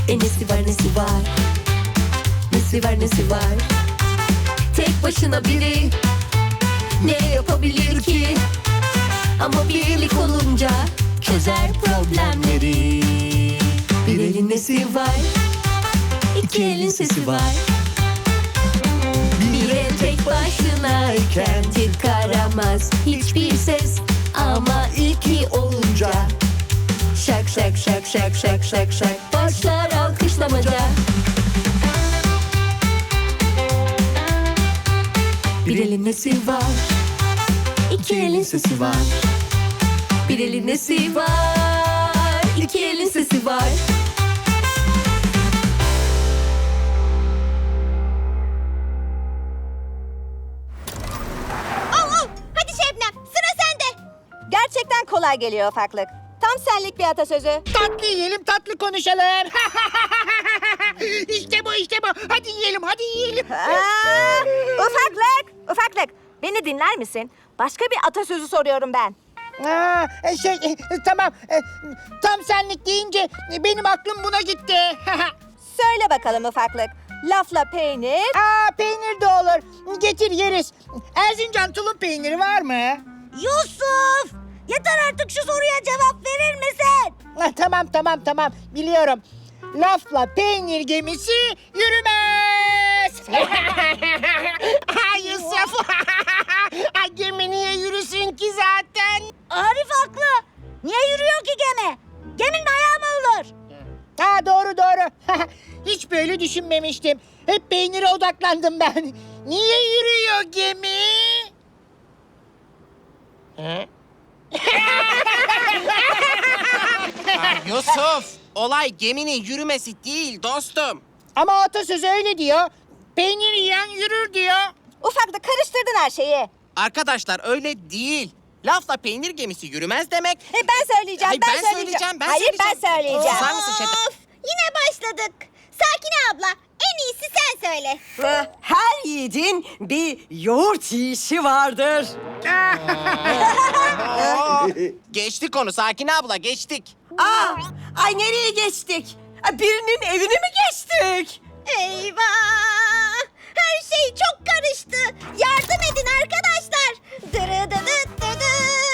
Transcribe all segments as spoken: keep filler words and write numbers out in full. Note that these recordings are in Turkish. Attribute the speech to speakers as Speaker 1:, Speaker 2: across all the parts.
Speaker 1: E nesi var nesi var, nesi var nesi var. Tek başına biri ne yapabilir ki? Ama birlik olunca çözer problemleri. Bir elin nesi var, iki elin sesi var. Bir el tek başınayken çıkaramaz hiçbir ses. Ama iki olunca şak şak şak şak şak şak şak başlar alkışlamaca. Bir elin nesi var, iki elin sesi var. Bir elin nesi var, iki elin sesi var.
Speaker 2: Al al. Hadi Şebnem, sıra sende.
Speaker 3: Gerçekten kolay geliyor ufaklık. Tam senlik bir atasözü.
Speaker 4: Tatlı yiyelim, tatlı konuşalım. İşte bu, işte bu. Hadi yiyelim, hadi yiyelim.
Speaker 3: Aa, ufaklık, ufaklık. Beni dinler misin? Başka bir atasözü soruyorum ben.
Speaker 4: Aa, e, şey, e, tamam. E, tam senlik deyince e, benim aklım buna gitti.
Speaker 3: Söyle bakalım ufaklık. Lafla peynir.
Speaker 4: Aa, peynir de olur. Getir yeriz. Erzincan tulum peyniri var mı?
Speaker 3: Yusuf! Yeter artık şu soruya cevap verir misin?
Speaker 4: Ah, tamam, tamam, tamam. Biliyorum. Lafla peynir gemisi yürümez. Ay Yusuf. Ay, gemi niye yürüsün ki zaten?
Speaker 3: Arif haklı. Niye yürüyor ki gemi? Geminin ayağı mı olur?
Speaker 4: Ha, doğru doğru. Hiç böyle düşünmemiştim. Hep peynire odaklandım ben. Niye yürüyor gemi?
Speaker 5: Yusuf, olay geminin yürümesi değil dostum.
Speaker 4: Ama atasözü öyle diyor. Peynir yiyen yürür diyor.
Speaker 3: Ufaklık karıştırdın her şeyi.
Speaker 5: Arkadaşlar öyle değil. Lafla peynir gemisi yürümez demek.
Speaker 3: E, ben söyleyeceğim,
Speaker 5: Hayır,
Speaker 3: ben,
Speaker 5: ben
Speaker 3: söyleyeceğim.
Speaker 5: söyleyeceğim, ben
Speaker 3: Hayır,
Speaker 5: söyleyeceğim.
Speaker 3: ben söyleyeceğim.
Speaker 5: Susar mısın Şebnem?
Speaker 2: Of, yine başladık. Sakine abla, en iyisi sen söyle.
Speaker 6: Her yiğidin bir yoğurt yiyişi vardır.
Speaker 5: Geçtik onu Sakine abla, geçtik.
Speaker 6: Aa, ay nereye geçtik? Ay, birinin evini mi geçtik?
Speaker 2: Eyvah! Her şey çok karıştı. Yardım edin arkadaşlar. Dırıdıdıdıdı.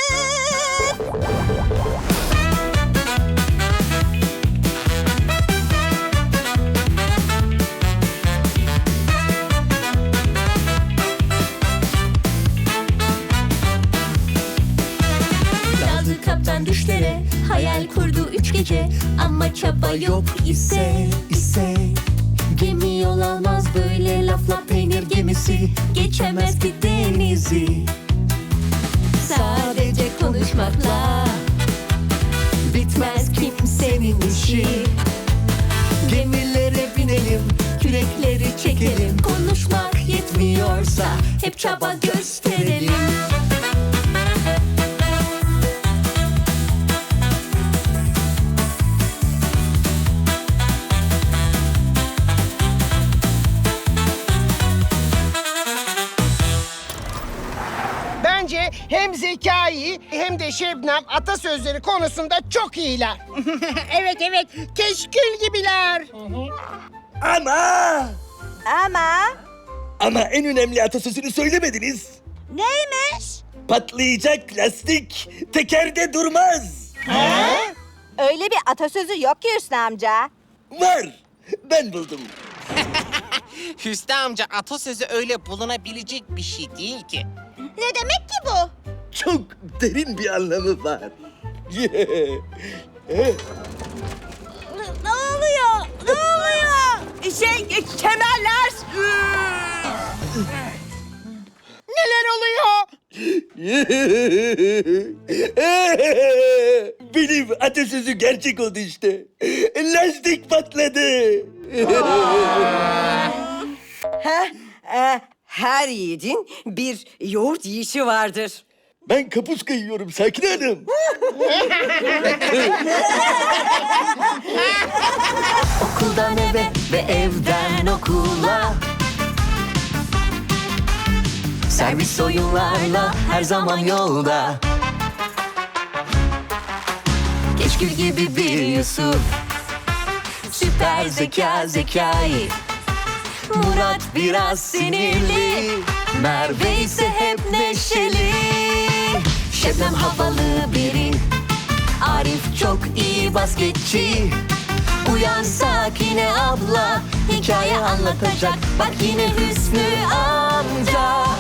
Speaker 1: Daldı kaptan düşlere, hayal kurdu üç gece. Ama çaba yok ise, ise gemi yol almaz böyle lafla peynir gemisi. Geçemez ki denizi sadece konuşmakla. Bitmez kimsenin işi. Gemilere binelim, kürekleri çekelim. Konuşmak yetmiyorsa hep çaba gösterelim.
Speaker 4: Bence hem Zekai hem de Şebnem atasözleri konusunda çok iyiler. Evet evet, keşkül gibiler.
Speaker 7: Ama!
Speaker 3: Ama
Speaker 7: Ama en önemli atasözünü söylemediniz.
Speaker 3: neymiş?
Speaker 7: Patlayacak lastik tekerde durmaz.
Speaker 3: Öyle bir atasözü yok ki Hüsnü amca.
Speaker 7: Var. Ben buldum.
Speaker 5: Hüsnü amca, atasözü öyle bulunabilecek bir şey değil ki.
Speaker 2: Ne demek ki bu?
Speaker 7: Çok derin bir anlamı var.
Speaker 3: Ne oluyor? Ne oluyor?
Speaker 6: Şey, e, kemerler.
Speaker 4: Neler oluyor?
Speaker 7: Benim atasözü gerçek oldu işte. Lastik patladı.
Speaker 6: Ha, e, her yiğidin bir yoğurt yiyişi vardır.
Speaker 7: Ben kapuska yiyorum Sakine Hanım.
Speaker 1: Okuldan eve ve evden okula, servis oyunlarla her zaman yolda. Keşkül gibi bir Yusuf, süper süper zeka Zekai. Murat biraz sinirli, Merve ise hep neşeli. Şebnem havalı biri, Arif çok iyi basketçi. Uyan Sakine abla, hikaye anlatacak. Bak yine Hüsnü amca.